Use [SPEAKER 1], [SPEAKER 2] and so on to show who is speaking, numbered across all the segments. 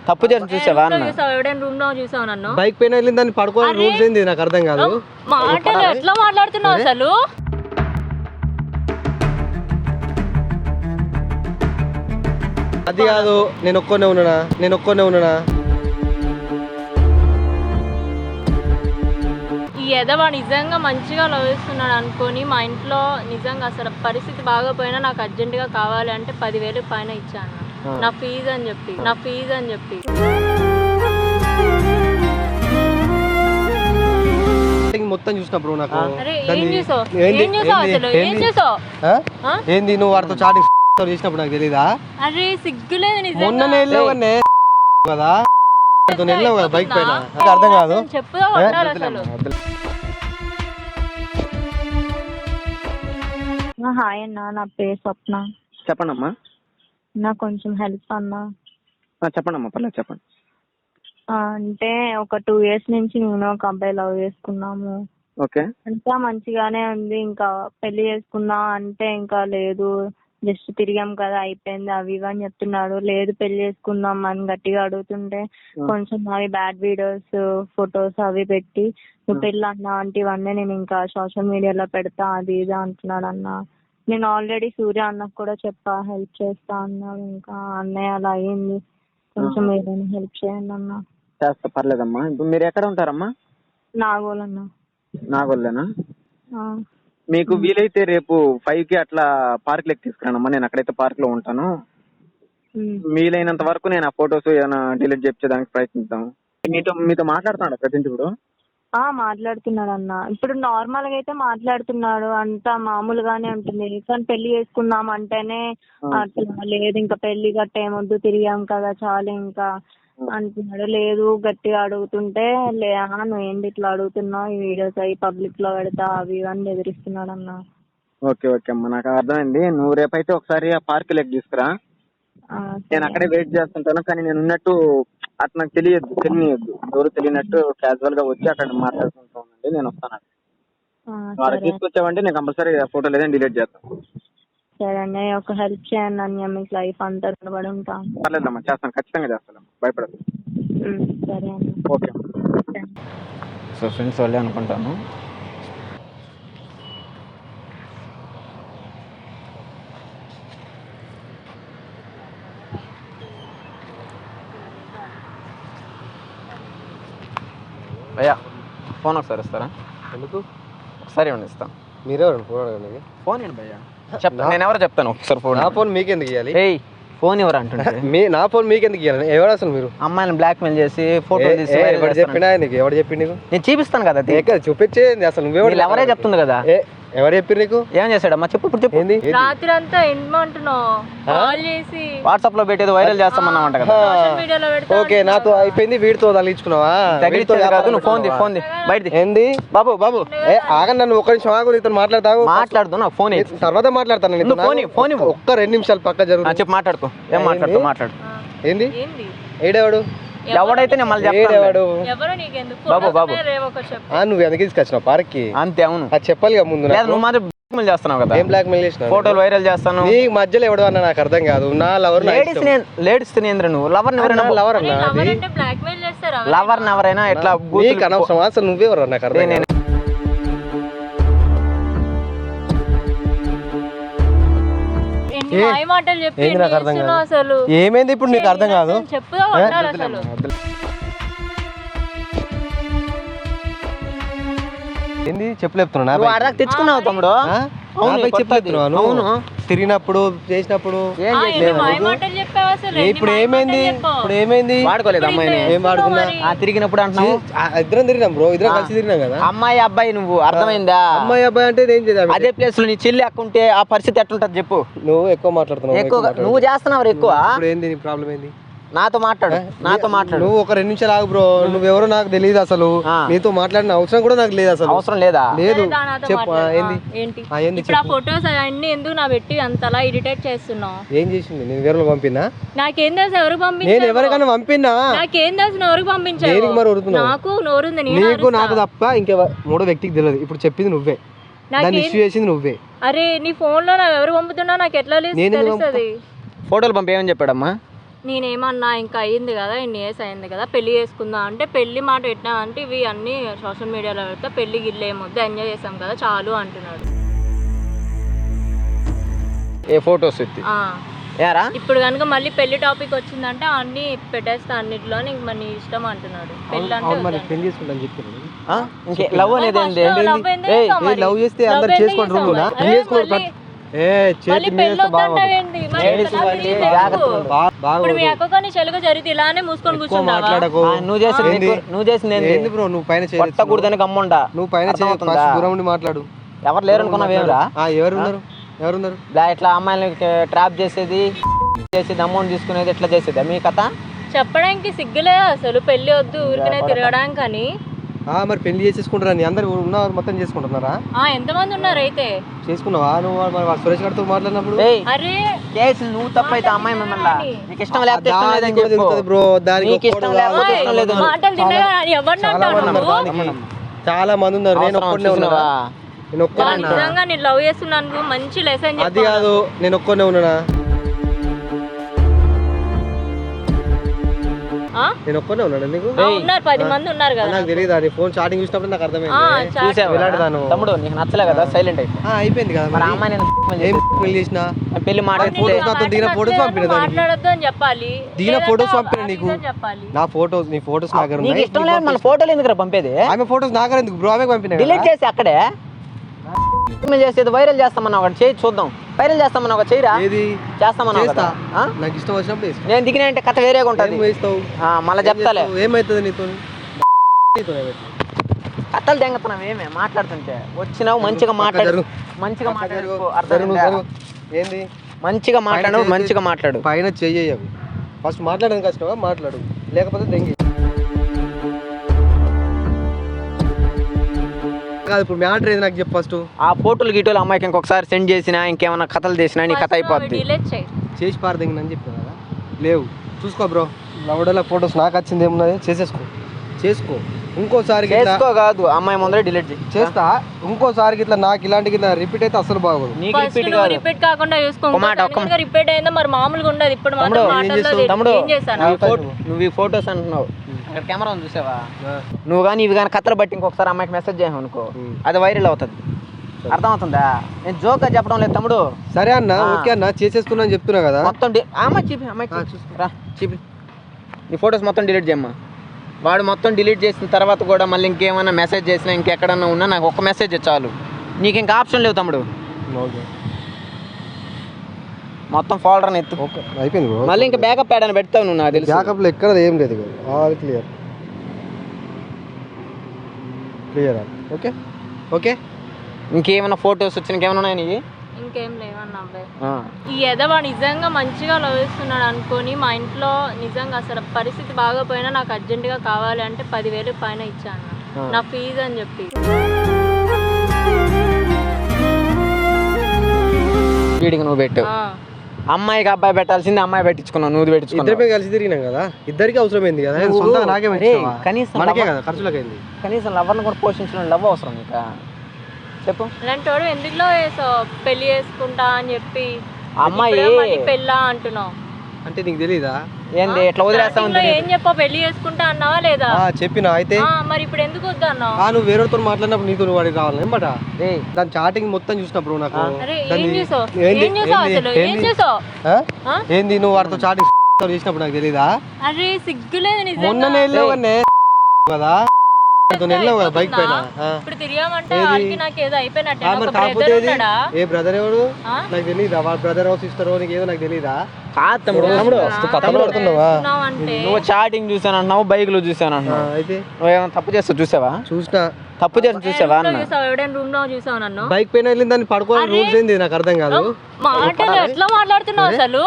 [SPEAKER 1] తప్పు చేసి చూసావా అన్న?
[SPEAKER 2] ఎవడైనా రూమ్ లో చూసావు నన్ను?
[SPEAKER 3] బైక్ పైన వెళ్ళిన దాన్ని పడుకోవాలి రూల్స్ ఏంది నాకు అర్థం కాదు.
[SPEAKER 2] మాటలు ఎట్లా మాట్లాడుతున్నావు అసలు?
[SPEAKER 3] అది కాదు, నేను ఒక్కనే ఉన్నానా?
[SPEAKER 2] ఈ ఎదవా నిజంగా మంచిగా లవ్ చేస్తున్నాడు అనుకొని మా ఇంట్లో నిజంగా అసలు పరిస్థితి బాగోపోయినా నాకు అర్జెంటుగా కావాలి అంటే 10,000 పైన ఇచ్చాను నా ఫీజు అని చెప్పి.
[SPEAKER 3] మొత్తం చూసినప్పుడు నాకు ఏంది నువ్వు వాడితో చాటింగ్ చేసినప్పుడు నాకు తెలీదా?
[SPEAKER 2] అరే సిగ్గులేదు నిజంగా.
[SPEAKER 3] మొన్ననే వెళ్ళావు కదా బైక్ పైన, నాకు అర్థం కాదు.
[SPEAKER 2] చెప్పుదా అసలు.
[SPEAKER 4] హాయ్ అన్న, నా పేరు స్వప్న.
[SPEAKER 1] చెప్పండి అమ్మా.
[SPEAKER 4] నాకు కొంచెం హెల్ప్ అన్నా.
[SPEAKER 1] చెప్పండి అమ్మా, పర్లేదు చెప్పండి.
[SPEAKER 4] అంటే ఒక 2 years నుంచి నేను ఒక అబ్బాయి లవ్ చేసుకున్నాము.
[SPEAKER 1] ఓకే.
[SPEAKER 4] అంతా మంచిగానే ఉంది. ఇంకా పెళ్లి చేసుకుందాం అంటే ఇంకా లేదు, జస్ట్ తిరిగాం కదా అయిపోయింది అవి ఇవి అని చెప్తున్నాడు. లేదు పెళ్లి చేసుకుందాం అని గట్టిగా అడుగుతుంటే కొంచెం అవి బ్యాడ్ వీడియోస్ ఫొటోస్ అవి పెట్టి నువ్వు పెళ్ళి అన్నా అంటే ఇవన్నీ నేను ఇంకా సోషల్ మీడియాలో పెడతా అది ఇది అంటున్నాడు అన్న. నేను ఆల్రెడీ సూర్య అన్నకు కూడా చెప్పా హెల్ప్ చేస్తా అన్నాడు. ఇంకా అన్నయ్య అలా అయ్యింది, కొంచెం ఏదైనా హెల్ప్ చేయండి అన్న.
[SPEAKER 1] చేస్తా, పర్లేదమ్మా. ఇప్పుడు మీరు ఎక్కడ ఉంటారమ్మా?
[SPEAKER 4] నాగోల్ అన్న.
[SPEAKER 1] నాగోల్లేనా? మీకు వీలైతే రేపు 5కి అట్లా పార్క్ లెక్క తీసుకురానమ్మా. నేను అక్కడైతే పార్క్ లో ఉంటాను. వీలైనంత వరకు నేను ఆ ఫొటోస్ ఏమైనా డిలీట్ చేయించడానికి ప్రయత్నిద్దాం. మీతో మాట్లాడుతున్నాడు ప్రజెంట్ ఇప్పుడు?
[SPEAKER 4] మాట్లాడుతున్నాడు అన్న. ఇప్పుడు నార్మల్ గా అయితే మాట్లాడుతున్నాడు, అంతా మామూలుగానే ఉంటుంది. కానీ పెళ్లి చేసుకుందాం అంటేనే అట్లా లేదు, ఇంకా పెళ్లి గట్ట ఏమొద్దు తిరిగాం కదా చాలు ఇంకా అంటున్నాడు. లేదు గట్టిగా అడుగుతుంటే నువ్వు ఏంటి ఇట్లా అడుగుతున్నావు, ఈ వీడియోస్ అవి పబ్లిక్ లో పెడతా అవి ఇవన్నీ ఎదిరిస్తున్నాడు అన్న.
[SPEAKER 1] ఓకే ఓకే అమ్మా, నాకు అర్థమైంది. నువ్వు రేపైతే ఒకసారి ఆ పార్క్ లెక్క తీసుకురా. నేను అక్కడే వెయిట్ చేస్తుంటాను. కానీ నేను ఉన్నట్టు అట్లా నాకు తెలియనియద్దు. ఎవరు తెలియనట్టు క్యాజువల్ గా వచ్చి అక్కడ మాట్లాడుకుంటానండి. నేను వస్తాను. వాళ్ళకి తీసుకొచ్చావంటే నేను కంపల్సరీ ఫోటో లేదని డిలీట్ చేస్తాను.
[SPEAKER 4] సరే అండి, ఒక హెల్ప్ చేయండి అన్న, మీకు లైఫ్ అంతా రుణపడి ఉంటాం.
[SPEAKER 1] పర్లేదమ్మా, చేస్తాను, ఖచ్చితంగా చేస్తాను, భయపడదు.
[SPEAKER 4] సరే అండి.
[SPEAKER 1] ఓకే. సో ఫ్రెండ్స్ వాళ్ళే అనుకుంటాను. భయ్యా ఫోన్ ఒకసారి ఇస్తారా?
[SPEAKER 3] ఎందుకు?
[SPEAKER 1] ఒకసారి ఇవ్వండి, ఇస్తాను.
[SPEAKER 3] మీరెవరు
[SPEAKER 1] ఫోన్ ఏంటి భయ్యా? చెప్తాను, నేను ఎవరో చెప్తాను. ఒకసారి ఫోన్.
[SPEAKER 3] నా ఫోన్ మీకెందుకు ఇవ్వాలి?
[SPEAKER 1] ఫోన్ ఎవరు అంటుంటే
[SPEAKER 3] నా ఫోన్ మీకెందుకు ఇవ్వాలి? ఎవరు అసలు మీరు?
[SPEAKER 1] అమ్మాయిని బ్లాక్ మెయిల్ చేసి ఫోటో
[SPEAKER 3] చెప్పినా నీకు ఎవరు చెప్పింది?
[SPEAKER 1] నేను చూపిస్తాను కదా,
[SPEAKER 3] చూపించేది అసలు నువ్వెవరు?
[SPEAKER 1] ఎవరే చెప్తుంది కదా.
[SPEAKER 3] ఎవరు చెప్పారు నీకు?
[SPEAKER 1] ఏం చేశాడమ్మా చెప్పు, ఇప్పుడు చెప్పు.
[SPEAKER 2] రాత్రి అంతా ఏమంటున్నావు? కాల్ చేసి
[SPEAKER 1] వాట్సాప్ లో పెట్టేది వైరల్ చేస్తామన్నామంట కదా.
[SPEAKER 3] ఓకే, నాతో అయిపోయింది, వీడితో తగిలించుకున్నావా?
[SPEAKER 1] నువ్వు ఫోన్ బయట
[SPEAKER 3] ఏంది బాబు? బాబు ఆగండి, నన్ను ఒక్క నిమిషం ఆగు, నీతో
[SPEAKER 1] మాట్లాడుతూ నాకు ఫోన్
[SPEAKER 3] తర్వాత మాట్లాడతాను.
[SPEAKER 1] ఫోన్
[SPEAKER 3] ఒక్క 2 నిమిషాలు పక్క జరుగు.
[SPEAKER 1] చెప్పు, మాట్లాడుకో. ఏం మాట్లాడు.
[SPEAKER 3] ఏంది? ఏడేవాడు?
[SPEAKER 1] ఎవడైతే నేను మళ్ళీ చెప్తాను. బాబు
[SPEAKER 3] నువ్వు ఎందుకు తీసుకొచ్చినావు పార్క్ కి?
[SPEAKER 1] అంతే. అవును,
[SPEAKER 3] అది చెప్పాలి ముందు.
[SPEAKER 1] నువ్వు మాత్రం బ్లాక్ మెయిల్ చేస్తున్నావు కదా.
[SPEAKER 3] ఏం బ్లాక్ మెయిల్ చేసినావు?
[SPEAKER 1] ఫోటోలు వైరల్ చేస్తాను.
[SPEAKER 3] నీ మధ్యలో ఎవడు అన్నా నాకు అర్థం కాదు. నా లవర్
[SPEAKER 1] లేడీస్ నువ్వు లవర్
[SPEAKER 3] లవర్ అన్నా?
[SPEAKER 1] లవర్ ఎవరైనా ఎట్లా
[SPEAKER 3] అనవసరం. అసలు నువ్వెవరు నాకు అర్థం కాదు. ఏమైంది ఇప్పుడు నీకు అర్థం కాదు? ఏంది చెప్పలేపుతున్నా?
[SPEAKER 1] తెచ్చుకున్నావు తమ్ముడు?
[SPEAKER 3] చెప్పలేపుతున్నాను. తిరిగినప్పుడు చేసినప్పుడు ఇప్పుడు ఏమైంది?
[SPEAKER 1] వాడుకోలేదు అమ్మాయిని.
[SPEAKER 3] ఏం వాడుకున్నా?
[SPEAKER 1] తిరిగినప్పుడు అంటున్నావు.
[SPEAKER 3] ఇద్దరం తిరిగినాం బ్రో, ఇద్దరం కలిసి తిరిగినాం కదా.
[SPEAKER 1] అమ్మాయి అబ్బాయి నువ్వు అర్థమైందా?
[SPEAKER 3] అమ్మాయి అబ్బాయి అంటే ఏం చేద్దాం?
[SPEAKER 1] అదే ప్లేస్ లో నీ చెల్లి అక్కుంటే ఆ పరిస్థితి ఎట్లుంటది చెప్పు.
[SPEAKER 3] నువ్వు ఎక్కువ మాట్లాడుతున్నావు.
[SPEAKER 1] ఎక్కువ నువ్వు చేస్తున్నావు ఎక్కువ.
[SPEAKER 3] ఏంది నీ ప్రాబ్లం? ఏంది?
[SPEAKER 1] నాతో మాట్లాడు.
[SPEAKER 3] నువ్వు ఒక 2 నిమిషాలు ఆగు బ్రో. నువ్వెవరో నాకు తెలియదు అసలు. నీతో మాట్లాడిన అవసరం కూడా నాకు లేదు అసలు.
[SPEAKER 1] అవసరం లేదా?
[SPEAKER 3] లేదు.
[SPEAKER 2] ఫోటోస్ అన్ని ఎందుకు నా పెట్టి అంతలా ఇరిటేట్ చేస్తున్నావు?
[SPEAKER 3] ఏం చేసింది? నేను ఎవరు పంపినా?
[SPEAKER 2] నాకేం తెలుసు ఎవరు పంపించారు?
[SPEAKER 3] నేను ఎవరికైనా పంపినా?
[SPEAKER 2] నాకేం తెలుసు ఎవరికి పంపించారు? నాకు నోరుంది.
[SPEAKER 3] నీకు నాకు తప్ప ఇంకే 3 వ్యక్తికి తెలియదు. ఇప్పుడు చెప్పింది నువ్వే, దాన్ని ఇష్యూ చేసింది నువ్వే.
[SPEAKER 2] అరే నీ ఫోన్ లో ఎవరు పంపుతున్నా నాకు ఎట్లా తెలుస్తుంది?
[SPEAKER 1] ఫోటోలు పంపేయమని చెప్పాడమ్మా.
[SPEAKER 2] నేనేమన్నా ఇంకా అయ్యింది కదా, ఇన్ని ఇయర్స్ అయింది కదా, పెళ్లి చేసుకుందాం అంటే పెళ్లి మాట పెట్టినా అంటే ఇవి అన్ని సోషల్ మీడియాలో పెడితే పెళ్లి గిల్లు ఏమొద్దు, ఎంజాయ్ చేసాం కదా చాలు అంటున్నాడు.
[SPEAKER 5] ఏ ఫొటోస్ ఎత్తి ఏరా
[SPEAKER 2] ఇప్పుడు కనుక మళ్ళీ పెళ్లి టాపిక్ వచ్చిందంటే అన్ని పెట్టేస్తా, అన్నిట్లో ఇంక మరి నీ ఇష్టం అంటున్నాడు. పెళ్లి అంటే
[SPEAKER 3] పెళ్లి చేసుకుంటాను చెప్పాను
[SPEAKER 5] లవ్ అనేది ఏంది?
[SPEAKER 3] లవ్ చేస్తే అందరు చేసుకోండి రూమ్
[SPEAKER 2] ఇప్పుడు మీ అక్క కానీ చెలుగు జరిగితే ఇలానే మూసుకొని కూర్చుంటావా?
[SPEAKER 5] నువ్వు చేసింది
[SPEAKER 3] బ్రో, నువ్వు పైన
[SPEAKER 5] కొట్టకూడదని గమ్ముంటా.
[SPEAKER 3] నువ్వు పైన దూరం ఉండి మాట్లాడు.
[SPEAKER 5] ఎవరు లేరు అనుకున్నావేమరా?
[SPEAKER 3] ఎవరున్నారు
[SPEAKER 5] ఇట్లా అమ్మాయిని ట్రాప్ చేసేది, అమౌంట్ తీసుకునేది, ఎట్లా చేసేది మీ కథ?
[SPEAKER 2] చెప్పడానికి సిగ్గులేదు అసలు. పెళ్లి వద్దు ఊరికనే తిరగడానికి అని.
[SPEAKER 3] మరి పెళ్లి చేసేసుకుంటారా? నీ అందరు ఉన్నారు మొత్తం చేసుకుంటున్నారా?
[SPEAKER 2] ఎంతమంది ఉన్నారు అయితే?
[SPEAKER 3] చేసుకున్నావా నువ్వు? మరి సురేష్ గారితో మాట్లాడినప్పుడు
[SPEAKER 2] అరే
[SPEAKER 5] కేసు నువ్వు తప్పైతే అమ్మాయి మిమ్మల్ని నీకు ఇష్టం లేకపోతే ఇష్టం లేదని చెప్పు
[SPEAKER 3] బ్రో. దానికి
[SPEAKER 5] ఇష్టం లేకపోతే ఇష్టం లేదు.
[SPEAKER 2] మాటలు తిన్నగా ఎవరిని
[SPEAKER 3] చాలా మంది ఉన్నారు. నేను ఒక్కనే ఉన్నావా? నేను ఒక్కనే
[SPEAKER 2] నిజంగా నేను లవ్ చేస్తున్నాను, మంచి లెసన్.
[SPEAKER 3] అది కాదు, నేను ఒక్కనే ఉన్నానా? నేను ఒక్కనే ఉన్నాను. నీకు
[SPEAKER 2] ఉన్నారు 10 మంది ఉన్నారు కదా.
[SPEAKER 3] నాకు తెలియదు. నీ ఫోన్ చాటింగ్ చూసినప్పుడు నాకు అర్థమైంది.
[SPEAKER 5] తమ్ముడు నీకు నచ్చలే కదా, సైలెంట్
[SPEAKER 3] అయిపోయింది కదా.
[SPEAKER 5] మరి అమ్మాయి
[SPEAKER 3] పెళ్లి చేసిన
[SPEAKER 5] పెళ్లి
[SPEAKER 2] మాట్లాడొద్దు అని చెప్పాలి.
[SPEAKER 3] దిగిన ఫోటోస్ పంపిన నీకు. నా ఫోటోస్, నీ ఫోటోస్ నా దగ్గర
[SPEAKER 5] నీకు ఇష్టం లేదు. మన ఫోటోలు ఎందుకు పంపేది?
[SPEAKER 3] ఆమె ఫోటోస్ నా దగ్గర ఎందుకు బ్రో? ఆమె పంపిన
[SPEAKER 5] డిలీట్ చేసి అక్కడే చేసేది వైరల్ చేస్తామన్నా ఒకటి చేయి చూద్దాం. వైరల్ చేస్తామన్నా ఒక చేయరా? చేస్తామన్నా
[SPEAKER 3] నాకు ఇష్టం వచ్చినప్పుడు
[SPEAKER 5] నేను దిగిన అంటే కథ వేరేగా ఉంటుంది. మళ్ళీ చెప్తాలే
[SPEAKER 3] ఏమైతుంది నీతో?
[SPEAKER 5] కథలు దెంగతున్నావు ఏమే మాట్లాడుతుంటే. వచ్చినావు మంచిగా మాట్లాడు, మంచిగా మాట్లాడు.
[SPEAKER 3] ఏంది
[SPEAKER 5] మంచిగా మాట్లాడు, మంచిగా మాట్లాడు.
[SPEAKER 3] పైన చెయ్యవు. ఫస్ట్ మాట్లాడడం కష్టమా? మాట్లాడు, లేకపోతే దెంగి కాదు. ఇప్పుడు మ్యాటర్ ఏది నాకు చెప్పు ఫస్ట్.
[SPEAKER 5] ఆ ఫోటోలు గీటోలు అమ్మాయికి ఇంకొకసారి సెండ్ చేసినా, ఇంకేమైనా కథలు చేసినా నీ కథ అయిపోద్ది.
[SPEAKER 3] చేసి పారదెంగినని చెప్పాను కదా. లేవు, చూసుకో బ్రో. లవడోల ఫోటోస్ నాకు వచ్చింది ఏమున్నది, చేసుకో. ఇంకోసారి
[SPEAKER 5] కాదు, అమ్మాయి ముందరే డిలీట్
[SPEAKER 3] చేస్తా. ఇంకోసారి ఇట్లా నాకు ఇలాంటి రిపీట్ అయితే అసలు బాగోదు.
[SPEAKER 2] రిపీట్ కాకుండా రిపీట్ అయిందా మరి మామూలుగా ఉండదు. ఇప్పుడు
[SPEAKER 5] తమ్ముడు నువ్వు ఈ ఫోటోస్ అంటున్నావు, అక్కడ కెమెరా ఉంది చూసావా? నువ్వు కానీ ఇవి కానీ కథలు బట్టి ఇంకొకసారి అమ్మాయికి మెసేజ్ చేయను అనుకో, అది వైరల్ అవుతుంది. అర్థమవుతుందా? నేను జోక్ గా చెప్పడం లేదు తమ్ముడు.
[SPEAKER 3] సరే అన్న, ఓకే అన్న, చేసేసుకున్నా అని చెప్తున్నా కదా.
[SPEAKER 5] మొత్తం చూపి నీ ఫొటోస్ మొత్తం డిలీట్ చేయమ్మా. వాడు మొత్తం డిలీట్ చేసిన తర్వాత కూడా మళ్ళీ ఇంకేమైనా మెసేజ్ చేసినా, ఇంకెక్కడన్నా ఉన్నా నాకు ఒక మెసేజ్ చాలు. నీకు ఇంకా ఆప్షన్ లేవు తమ్ముడు. మొత్తం ఫోల్డర్ ఎత్తు.
[SPEAKER 3] అయిపోయింది.
[SPEAKER 5] మళ్ళీ ఇంకా బ్యాకప్ యాడ్ అని పెడతావు నువ్వు. నాకు తెలుసు
[SPEAKER 3] బ్యాకప్ లో ఎక్కడ ఏం లేదు. All clear. ఓకే.
[SPEAKER 5] ఇంకేమైనా ఫొటోస్ వచ్చి ఇంకేమైనా ఉన్నాయి నీకు?
[SPEAKER 2] ఇంకేం లేవన్నా అబ్బాయి. ఈ ఎదవా నిజంగా మంచిగా లవ్ చేస్తున్నాడు అనుకొని మా ఇంట్లో నిజంగా అసలు పరిస్థితి బాగోపోయినా నాకు అర్జెంటుగా కావాలి అంటే 10,000 పైన ఇచ్చాను నా ఫీజు అని చెప్పి.
[SPEAKER 5] వీడికి నువ్వు పెట్టు. అమ్మాయికి అబ్బాయి పెట్టాల్సింది అమ్మాయి పెట్టించుకున్నావు, నువ్వు పెట్టించుకున్నావు.
[SPEAKER 3] ఇద్దరిపై కలిసి తిరిగినాం కదా, ఇద్దరికి అవసరమైంది కదా.
[SPEAKER 5] కనీసం లవర్ని కూడా పోషించడం లవ్ అవసరం ఇంకా చెప్పు.
[SPEAKER 2] ఇలాంటి వాడు ఎందులో పెళ్లి చేసుకుంటా అని చెప్పి
[SPEAKER 5] అమ్మాయి
[SPEAKER 2] పెళ్ళా అంటున్నావు
[SPEAKER 3] అంటే నీకు తెలీదా?
[SPEAKER 5] ఏంది ఎట్లా వదిలేస్తా?
[SPEAKER 2] ఏం చెప్పా? పెళ్లి చేసుకుంటా అన్నావా లేదా?
[SPEAKER 3] చెప్పినా. అయితే
[SPEAKER 2] మరి ఇప్పుడు ఎందుకు వద్దు అన్నావు?
[SPEAKER 3] నువ్వు వేరేతో మాట్లాడినప్పుడు నీతో వాడికి రావాలి అనమాట. దాని చాటింగ్ మొత్తం చూసినప్పుడు నాకు ఏంది నువ్వు వాడితో చాటింగ్ చేసినప్పుడు నాకు తెలీదా?
[SPEAKER 2] అరే సిగ్గులేదు
[SPEAKER 3] మొన్ననే కదా బైక్ పైన. ఏ బ్రదర్ ఎవడు నాకు తెలీదా? వాళ్ళ బ్రదర్ సిస్టర్ నీకు ఏదో నాకు తెలీదా?
[SPEAKER 5] నువ్వు చాటింగ్ చూసాను అంటున్నావు, బైక్ లో చూసాను అంటున్నావు. అయితే నువ్వేమైనా తప్పు చేస్తా చూసావా?
[SPEAKER 3] చూసినా.
[SPEAKER 5] తప్పు చేసి చూసావా?
[SPEAKER 3] బైక్ పైన వెళ్ళింది దాన్ని పడుకోవాలి రూల్స్ ఏంది నాకు అర్థం కాదు.
[SPEAKER 2] మాటలు ఎట్లా మాట్లాడుతున్నావు అసలు?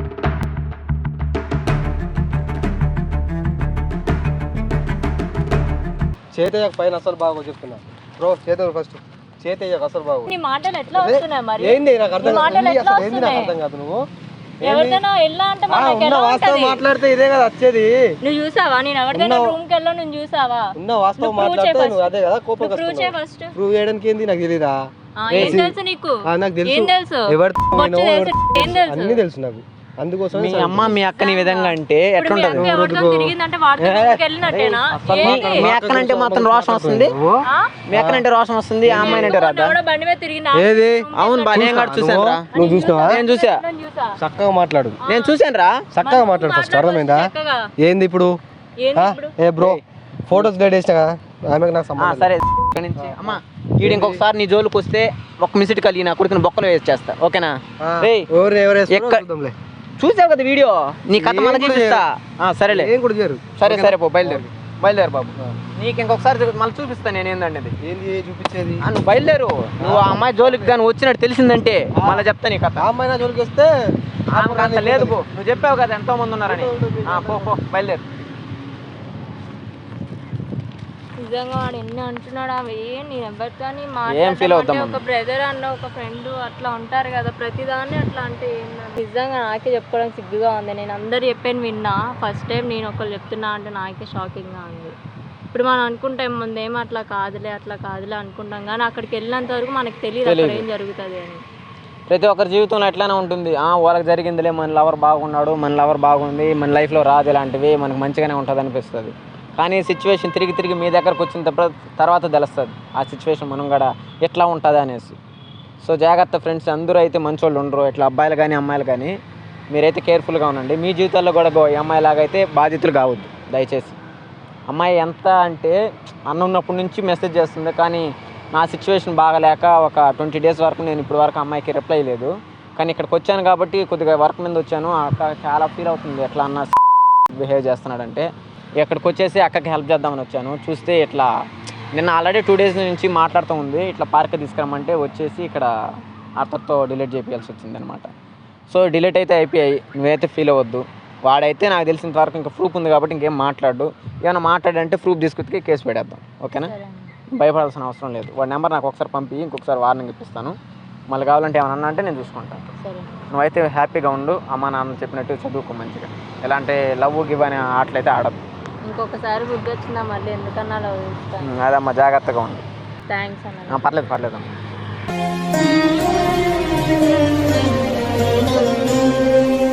[SPEAKER 3] చేతయ్యకు పైన అసలు బాగో చెప్తున్నా బ్రో. చేతయ్య ఫస్ట్ చేతయ్యకు అసలు బాగో.
[SPEAKER 2] నీ మాటలు ఎట్లా వస్తున్నాయి మరి?
[SPEAKER 3] ఏంది నాకు అర్థం కాదు. నువ్వు
[SPEAKER 2] ఎవరిదైనా వెళ్ళా అంటే
[SPEAKER 3] వాస్తవం మాట్లాడితే ఇదే కదా వచ్చేది.
[SPEAKER 2] నువ్వు చూసావా? నేను ఎవరిదైనా రూమ్ కి వెళ్ళా, నువ్వు చూసావా?
[SPEAKER 3] ఉన్న వాస్తవం మాట్లాడితే నువ్వు అదే కదా కోపం వస్తుంది. ప్రూవ్ చేయడానికి ఏంది నాకు తెలీదా?
[SPEAKER 2] ఏం తెలుసు నీకు?
[SPEAKER 3] నాకు తెలుసు.
[SPEAKER 2] ఏం తెలుసు?
[SPEAKER 3] ఎవరు అన్ని తెలుసు నాకు. అందుకోసం
[SPEAKER 5] మీ అమ్మ మీ అక్కని ఈ విధంగా అంటే ఎట్లుంటది?
[SPEAKER 2] ఎవరితో తిరిగిందంటే వాడితో వెళ్ళినట్టేనా?
[SPEAKER 5] మీ అక్కనంటే మాత్రం రోషం వస్తుంది, మీ అక్కనంటే రోషం వస్తుంది, ఆ అమ్మాయి అంటే రాదా?
[SPEAKER 2] బండి మీద తిరిగిందా?
[SPEAKER 3] ఏది
[SPEAKER 5] అవును బా, నేను కూడా చూసాను రా.
[SPEAKER 3] నువ్వు చూసినావా?
[SPEAKER 5] నేను చూసా,
[SPEAKER 3] చక్కగా మాట్లాడు,
[SPEAKER 5] నేను చూసాను రా.
[SPEAKER 3] చక్కగా మాట్లాడు ఫస్ట్, అర్థమైందా? ఏంది ఇప్పుడు? ఏ బ్రో ఫోటోస్ డేట్ వేసినా కదా, ఆమెకు నాకు సంబంధం
[SPEAKER 5] సరే ఇక్కడి నుంచి అమ్మా వీడు ఇంకొకసారి నీ జోలికి వస్తే ఒక మిసిట్ కలిగి నా కొడుకుని బొక్కలు వేసి చేస్తా, ఓకేనా? చూసావు కదా వీడియో, నీ కథ మన చూపిస్తా. సరేలే, సరే సరే పో, బయలుదేరు బాబు. నీకు ఇంకొకసారి మళ్ళీ చూపిస్తా నేను ఏందండి
[SPEAKER 3] చూపించేది.
[SPEAKER 5] నువ్వు బయలుదేరు, నువ్వు ఆ అమ్మాయి జోలికి కానీ వచ్చినట్టు తెలిసిందంటే మళ్ళీ చెప్తా నీ కథ.
[SPEAKER 3] ఆ అమ్మాయి జోలికి వస్తే
[SPEAKER 5] అంత లేదు పో, నువ్వు చెప్పావు కదా ఎంతో మంది ఉన్నారని. పో బయలుదేరు.
[SPEAKER 2] నిజంగా వాడు ఎన్ని అంటున్నాడు అవి నేను ఎవరితో
[SPEAKER 5] ఏం ఫీల్ అవుతాం?
[SPEAKER 2] ఒక బ్రదర్ అన్న ఒక ఫ్రెండ్ అట్లా ఉంటారు కదా, ప్రతిదాన్ని అట్లా అంటే నిజంగా నాకే చెప్పుకోవడానికి సిగ్గుగా ఉంది. నేను అందరు చెప్పాను విన్నా, ఫస్ట్ టైం నేను ఒకళ్ళు చెప్తున్నా అంటే నాకే షాకింగ్గా ఉంది. ఇప్పుడు మనం అనుకుంటాం ముందేమో అట్లా కాదులే అనుకుంటాం, కానీ అక్కడికి వెళ్ళినంత వరకు మనకు తెలియదు అక్కడ ఏం జరుగుతుంది అని.
[SPEAKER 5] ప్రతి ఒక్కరి జీవితంలో ఎట్లానే ఉంటుంది. వాళ్ళకి జరిగిందిలే, మన లవర్ బాగున్నాడు, మన లవర్ బాగుంది, మన లైఫ్లో రాదు, ఇలాంటివి మనకు మంచిగానే ఉంటుంది అనిపిస్తుంది. కానీ సిచ్యువేషన్ తిరిగి మీ దగ్గరకు వచ్చిన తర్వాత తెలుస్తుంది ఆ సిచ్యువేషన్ మనం కూడా ఎట్లా ఉంటుంది అనేసి. సో జాగ్రత్త ఫ్రెండ్స్, అందరూ అయితే మంచోళ్ళు ఉండరు, ఇట్లా అబ్బాయిలు కానీ అమ్మాయిలు కానీ మీరైతే కేర్ఫుల్గా ఉండండి. మీ జీవితాల్లో కూడా ఈ అమ్మాయిలాగా అయితే బాధితులు కావద్దు దయచేసి. అమ్మాయి ఎంత అంటే అన్న ఉన్నప్పటి నుంచి మెసేజ్ చేస్తుంది, కానీ నా సిచ్యువేషన్ బాగలేక ఒక 20 days వరకు నేను ఇప్పుడు వరకు అమ్మాయికి రిప్లై లేదు. కానీ ఇక్కడికి వచ్చాను కాబట్టి కొద్దిగా వర్క్ మీద వచ్చాను, అక్క చాలా ఫీల్ అవుతుంది ఎట్లా అన్న బిహేవ్ చేస్తున్నాడంటే. ఇక్కడికి వచ్చేసి అక్కకి హెల్ప్ చేద్దామని వచ్చాను. చూస్తే ఇట్లా నిన్న ఆల్రెడీ 2 days నుంచి మాట్లాడుతూ ఉంది, ఇట్లా పార్క్ తీసుకురమ్మంటే వచ్చేసి ఇక్కడ అతనితో డిలీట్ చేయాల్సి వచ్చింది అనమాట. సో డిలీట్ అయితే అయిపోయాయి, నువ్వైతే ఫీల్ అవ్వద్దు. వాడైతే నాకు తెలిసినంత వరకు ఇంకా ప్రూఫ్ ఉంది కాబట్టి ఇంకేం మాట్లాడు, ఏమైనా మాట్లాడంటే ప్రూఫ్ తీసుకొచ్చి కేసు పెడేద్దాం, ఓకేనా? భయపడాల్సిన అవసరం లేదు. వాడి నెంబర్ నాకు ఒకసారి పంపి ఇంకొకసారి వార్నింగ్ ఇప్పిస్తాను, మళ్ళీ కావాలంటే ఏమన్నా అంటే నేను చూసుకుంటాను. నువ్వైతే హ్యాపీగా ఉండు, అమ్మ నాన్న చెప్పినట్టు చదువుకో మంచిగా, ఎలాంటి లవ్ గివ్ అనే ఆటలైతే ఆడద్దు.
[SPEAKER 2] ఇంకొకసారి బుద్ధి వచ్చిందా మళ్ళీ ఎందుకన్నా లవ్ చేస్తాను.
[SPEAKER 5] అదమ్మా జాగ్రత్తగా ఉండు.
[SPEAKER 2] థ్యాంక్స్ అన్న.
[SPEAKER 5] పర్లేదు అమ్మా.